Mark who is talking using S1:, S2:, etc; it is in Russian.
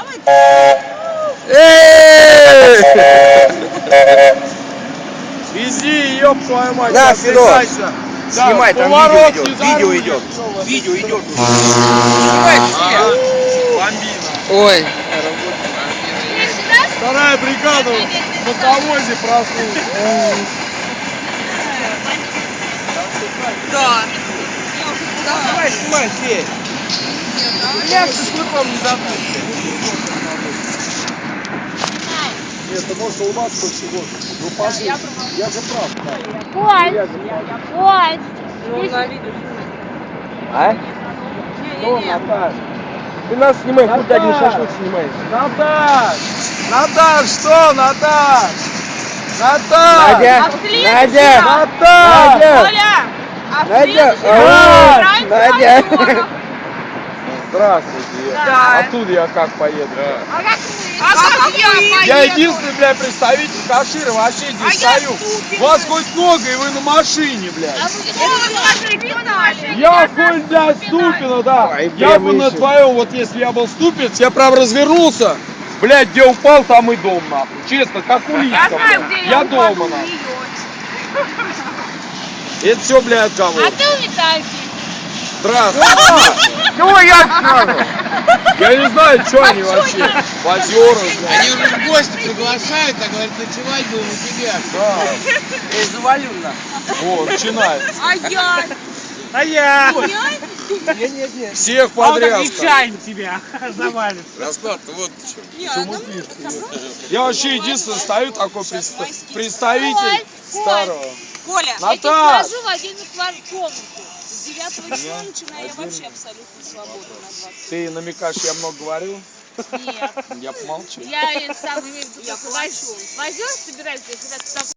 S1: Вези, ёб твою мать.
S2: На, Сереж. Снимай, там
S1: поворот
S2: видео идет. Видео идет.
S1: Бомбина.
S2: Ой.
S1: Вторая бригада в мотовозе проснулась.
S3: Да.
S2: Давай, снимай, Федь. Я шашлыком не забыл.
S1: Нет, ты можешь улыбаться хоть сегодня. Ну, пошли. Я же прав.
S4: Ой!
S3: Ну, на видео.
S2: А? Что, Наташ? Ты нас снимаешь, куда не шашлык снимаешь?
S1: Наташ! Наташ, что, Наташ? Наташ!
S2: Надя! Надя!
S1: Наташ!
S4: Оля! А в
S2: Надя!
S4: следующий
S2: Ой,
S4: раз
S2: Надя!
S1: Здравствуйте.
S4: Да.
S1: Оттуда я как поеду?
S4: А как вы?
S1: Я единственный, блядь, представитель Кашира, вообще здесь стою. Вас хоть много, и вы на машине, блядь. Я хуй, блядь, Ступина, да.
S2: Ой,
S1: Я
S2: прям
S1: бы на
S2: еще.
S1: твоем, вот если я был Ступец, я прям развернулся. Блядь, где упал, там и дом, нахуй. Честно, как улитка,
S4: Я знаю,
S1: блядь.
S4: где
S1: Я
S4: упаду,
S1: дома,
S4: у
S1: нахуй.
S4: неё.
S1: Это все, блядь, кого?
S4: А ты у Витальки.
S1: Здравствуй.
S2: Чего я сразу?
S1: Я не знаю, что они вообще. Позеры, блядь.
S5: Они уже в гости приглашают, а говорят, ночевать будем у тебя.
S1: Да.
S2: Завалю на.
S1: О, начинается.
S4: А я?
S3: А я?
S2: Нет.
S1: Всех
S3: А он так
S1: подряд.
S3: нечаянно тебя завалит.
S5: Расклад, вот почему.
S1: Я вообще единственный стою такой представитель старого.
S4: Коля, я
S1: Наташ!
S4: тебе положу в отдельную комнату. С 9 числа начиная я вообще абсолютно свободна на 20.
S1: Ты намекаешь, я много говорил?
S4: Нет.
S1: Я помолчу.
S4: Я сам имею в виду, возьмешь, собираешься, когда ты